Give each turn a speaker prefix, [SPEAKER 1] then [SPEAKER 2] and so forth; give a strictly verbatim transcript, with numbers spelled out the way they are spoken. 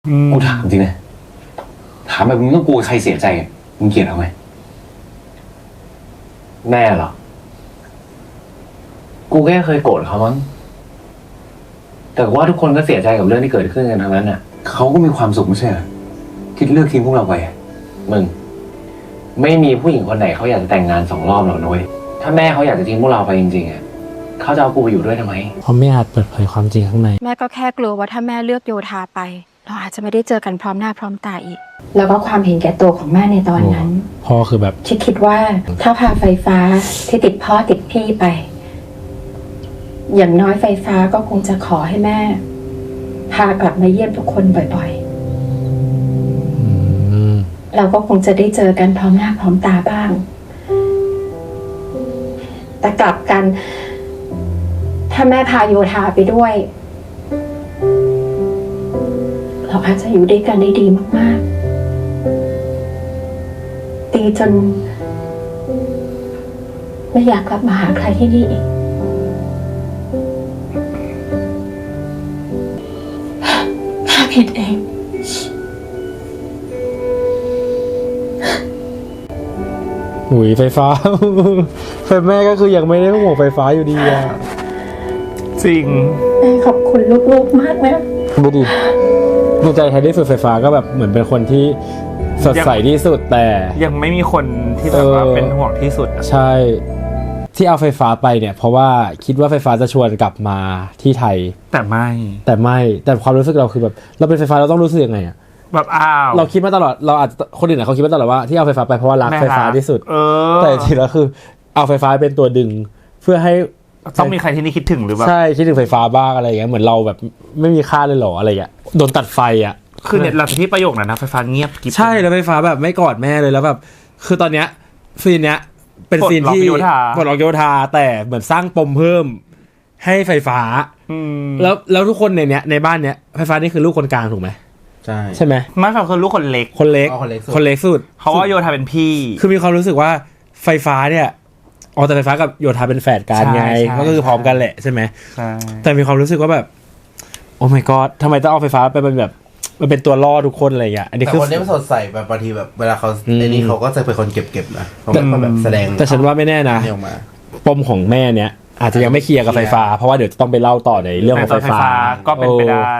[SPEAKER 1] กูถามจริงนะถามแบบมึงต้องกลัวใครเสียใจมึงเกลียดเขาไหมแม่เหรอกูแค่เคยโกรธเขามั้งแต่ว่าทุกคนก็เสียใจกับเรื่องที่เกิดขึ้นกันทั้งนั้นน่ะเขาก็มีความสุขไม่ใช่เหรอที่เลือกทิ้งพวกเราไปมึงไม่มีผู้หญิงคนไหนเขาอยากจะแต่งงานสองรอบหรอกนุ้ยถ้าแม่เขาอยากจะทิ้งพวกเราไปจริงๆอ่ะเขาจะเอากูไปอยู่ด้วยทำไม
[SPEAKER 2] เพราะไม่อาจเปิดเผยความจริงข้างใน
[SPEAKER 3] แม่ก็แค่กลัวว่าถ้าแม่เลือกโยธาไปเราอาจจะไม่ได้เจอกันพร้อมหน้าพร้อมตาอีก
[SPEAKER 4] แล้วก็ความเห็นแก่ตัวของแม่ในตอนนั้น
[SPEAKER 2] พ่อคือแบบ
[SPEAKER 4] คิดคิดว่าถ้าพาไฟฟ้าที่ติดพ่อติดพี่ไปอย่างน้อยไฟฟ้าก็คงจะขอให้แม่พากลับมาเยี่ยมทุกคนบ่อยๆเราก็คงจะได้เจอกันพร้อมหน้าพร้อมตาบ้างแต่กลับกันถ้าแม่พาโยธาไปด้วยเราอาจจะอยู่ด้วยกันได้ดีมากๆตีจนไม่อยากกลับมาหาใครที่นี่อีกข้าผิดเอง
[SPEAKER 2] หุยไฟฟ้า แฟนแม่ก็คือยังไม่ได้ห่วงไฟฟ้าอยู่ดีอะ
[SPEAKER 5] จริง
[SPEAKER 4] แม่ขอบคุณลูกๆมากนะ
[SPEAKER 2] ดูดิดวงใจไทยที่สุดไฟฟ้าก็แบบเหมือนเป็นคนที่สดใสที่สุดแต่
[SPEAKER 5] ยังไม่มีคนที่แบบว่าเป็นห่วงที่สุด
[SPEAKER 2] ใช่ที่เอาไฟฟ้าไปเนี่ยเพราะว่าคิดว่าไฟฟ้าจะชวนกลับมาที่ไทย
[SPEAKER 5] แต่ไม่
[SPEAKER 2] แต่ไม่แต่ความรู้สึกเราคือแบบเราเป็นไฟฟ้าเราต้องรู้สึกยังไงอะ
[SPEAKER 5] แบบอ้าว
[SPEAKER 2] เราคิดมาตลอดเราอาจจะคนอื่นเขาคิดมาตลอดว่าที่เอาไฟฟ้าไปเพราะว่ารักไฟฟ้าที่สุด
[SPEAKER 5] เออ
[SPEAKER 2] แต่จริงๆแล้วคือเอาไฟฟ้าเป็นตัวดึงเพื่อให้
[SPEAKER 5] ต้องมีใครที่นี่คิดถึงหรือเปล่า
[SPEAKER 2] ใช่คิดถึงไฟฟ้าบ้างอะไรอย่างเงี้ยเหมือนเราแบบไม่มีค่าเลยหรออะไรอย่างเงี้ยโดนตัดไฟอ่ะ
[SPEAKER 5] คือเนี่ยหลังที่ประโยคนั้นนะไฟฟ้าเงียบกิ๊บ
[SPEAKER 2] ใช่แล้วไฟฟ้าแบบไม่กอดแม่เลยแล้วแบบคือตอนเนี้ยซีนเนี้ยเป็นซีนที่ปลดล็อกโยธาแต่เหมือนสร้างปมเพิ่มให้ไฟฟ้าแล้วแล้วทุกคนในเนี้ยในบ้านเนี้ยไฟฟ้านี่คือลูกคนกลางถูกไหม
[SPEAKER 1] ใช่
[SPEAKER 2] ใช่ไหม
[SPEAKER 5] ไม่ครับคือลูกคนเล็ก
[SPEAKER 2] คนเล็กคนเล็กสุด
[SPEAKER 5] เพราะว่าโยธาเป็นพี่
[SPEAKER 2] คือมีความรู้สึกว่าไฟฟ้าเนี่ยอ๋อแต่ไฟฟ้ากับโยธาเป็นแฝดกันไงก็คือพร้อมกันแหละใช่ไหม
[SPEAKER 5] ใช่
[SPEAKER 2] แต่มีความรู้สึกว่าแบบโอ้ my god ทำไมต้องเอาไฟฟ้าไปเป็นแบบมันเป็นตัวล่อทุกคนอะไรอย่างเงี้ยอันนี้คือ
[SPEAKER 1] คนนี้มันสดใสแบบบางทีแบบเวลาเขาในนี้เขาก็จะเป็นคนเก็บๆนะเขาเป็นคนแบบแสดง
[SPEAKER 2] แต่ฉันว่าไม่แน่นะปมของแม่เนี้ยอาจจะยังไม่เคลียร์กับไฟฟ้าเพราะว่าเดี๋ยวจะต้องไปเล่าต่อในเรื่องของไฟฟ้า
[SPEAKER 5] ก็เป็นไปได้